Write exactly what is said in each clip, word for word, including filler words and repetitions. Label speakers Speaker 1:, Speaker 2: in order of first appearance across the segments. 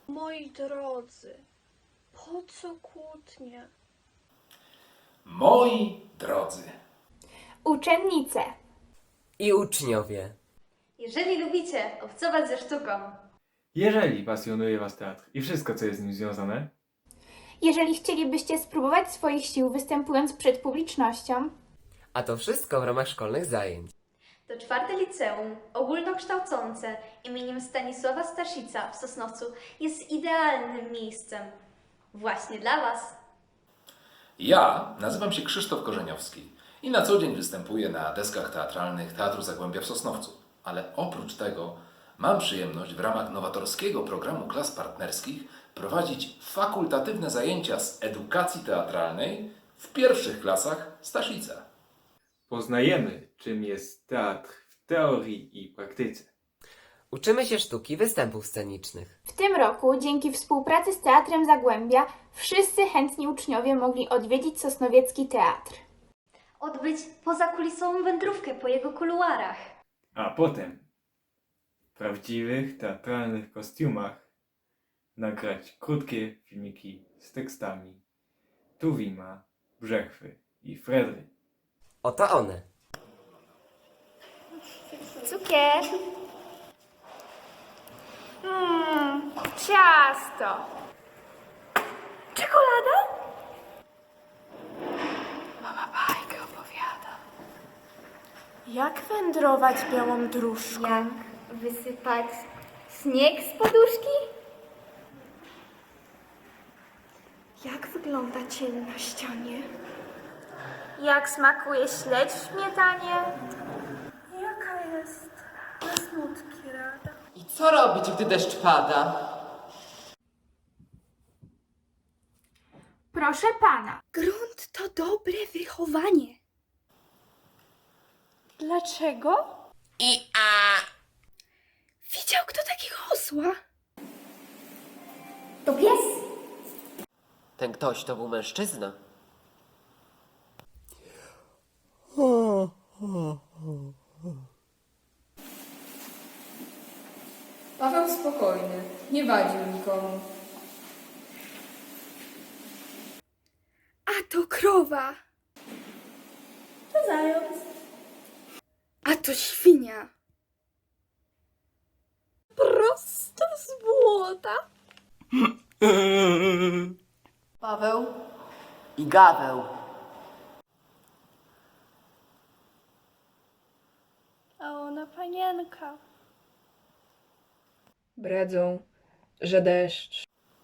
Speaker 1: Moi drodzy, po co kłótnie?
Speaker 2: Moi drodzy.
Speaker 3: Uczennice.
Speaker 4: I uczniowie.
Speaker 5: Jeżeli lubicie obcować ze sztuką,
Speaker 6: Jeżeli pasjonuje Was teatr i wszystko, co jest z nim związane,
Speaker 3: Jeżeli chcielibyście spróbować swoich sił występując przed publicznością,
Speaker 4: A to wszystko w ramach szkolnych zajęć.
Speaker 5: to czwarte liceum ogólnokształcące imieniem Stanisława Staszica w Sosnowcu jest idealnym miejscem właśnie dla Was.
Speaker 2: Ja nazywam się Krzysztof Korzeniowski i na co dzień występuję na deskach teatralnych Teatru Zagłębia w Sosnowcu. Ale oprócz tego mam przyjemność w ramach nowatorskiego programu klas partnerskich prowadzić fakultatywne zajęcia z edukacji teatralnej w pierwszych klasach Staszica.
Speaker 6: poznajemy, czym jest teatr w teorii i praktyce.
Speaker 4: Uczymy się sztuki występów scenicznych.
Speaker 3: w tym roku dzięki współpracy z Teatrem Zagłębia wszyscy chętni uczniowie mogli odwiedzić Sosnowiecki Teatr.
Speaker 5: Odbyć pozakulisową wędrówkę po jego kuluarach.
Speaker 6: A potem w prawdziwych teatralnych kostiumach nagrać krótkie filmiki z tekstami Tuwima, Brzechwy i Fredry.
Speaker 4: Oto one.
Speaker 3: Cukier. Mmm, ciasto. Czekolada?
Speaker 1: Bajkę opowiada. Jak wędrować białą dróżką?
Speaker 7: Jak wysypać śnieg z poduszki?
Speaker 1: Jak wygląda cień na ścianie?
Speaker 3: Jak smakuje śledź w śmietanie?
Speaker 1: Jaka jest na smutki rada?
Speaker 8: I co robić, gdy deszcz pada?
Speaker 3: Proszę pana.
Speaker 7: Grunt to dobre wychowanie.
Speaker 1: Dlaczego?
Speaker 7: Widział kto takiego osła?
Speaker 5: To pies?
Speaker 8: Ten ktoś to był mężczyzna.
Speaker 9: Paweł spokojny, nie wadził nikomu.
Speaker 7: A to krowa.
Speaker 1: To zając.
Speaker 7: A to świnia.
Speaker 1: Prosto z błota.
Speaker 9: Paweł
Speaker 8: I Gaweł.
Speaker 1: A ona panienka.
Speaker 9: bredzą, że deszcz.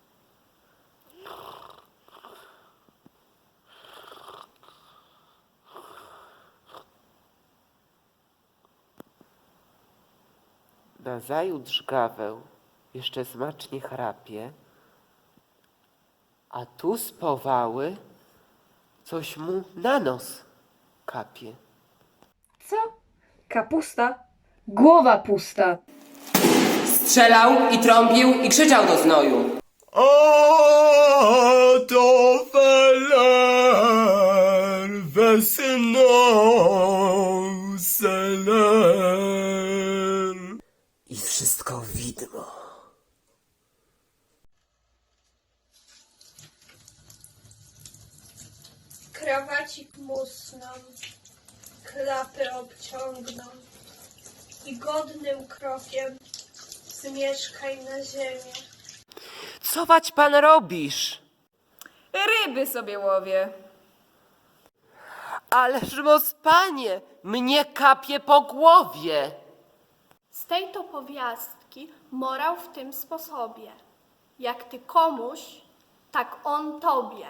Speaker 8: Nazajutrz Gaweł jeszcze smacznie chrapie, a tu z powały coś mu na nos kapie.
Speaker 9: Co? Kapusta? Głowa pusta.
Speaker 8: Strzelał i trąbił i krzyczał do znoju.
Speaker 10: A to feler, wesno seler.
Speaker 4: I wszystko widmo.
Speaker 1: Krawacik musną, klapy obciągną i godnym krokiem zmieszkaj na ziemię.
Speaker 8: Co wać pan robisz?
Speaker 9: Ryby sobie łowię.
Speaker 8: Ależ mos panie, mnie kapie po głowie.
Speaker 1: Z tej to powiastki morał w tym sposobie. Jak ty komuś, tak on tobie.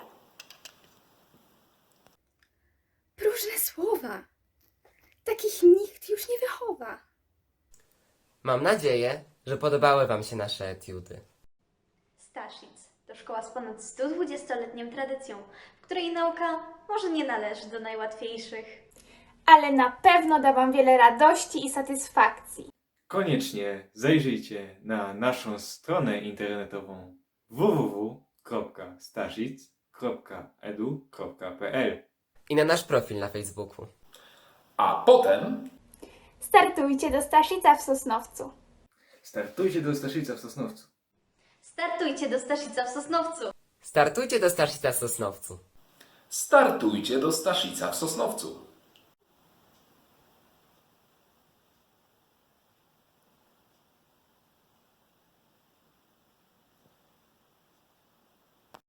Speaker 7: Próżne słowa. Takich nikt już nie wychowa.
Speaker 4: Mam nadzieję, że podobały wam się nasze etiudy.
Speaker 5: Staszic to szkoła z ponad sto dwudziestoletnią tradycją, w której nauka może nie należy do najłatwiejszych.
Speaker 3: Ale na pewno da wam wiele radości i satysfakcji.
Speaker 6: Koniecznie zajrzyjcie na naszą stronę internetową w w w kropka staszic kropka edu kropka p l
Speaker 4: I na nasz profil na Facebooku.
Speaker 2: A potem
Speaker 3: Startujcie do Staszica w Sosnowcu.
Speaker 6: Startujcie do Staszica w Sosnowcu.
Speaker 5: Startujcie do Staszica w Sosnowcu.
Speaker 4: Startujcie do Starszyca w Sosnowcu.
Speaker 2: Startujcie do Staszica w Sosnowcu.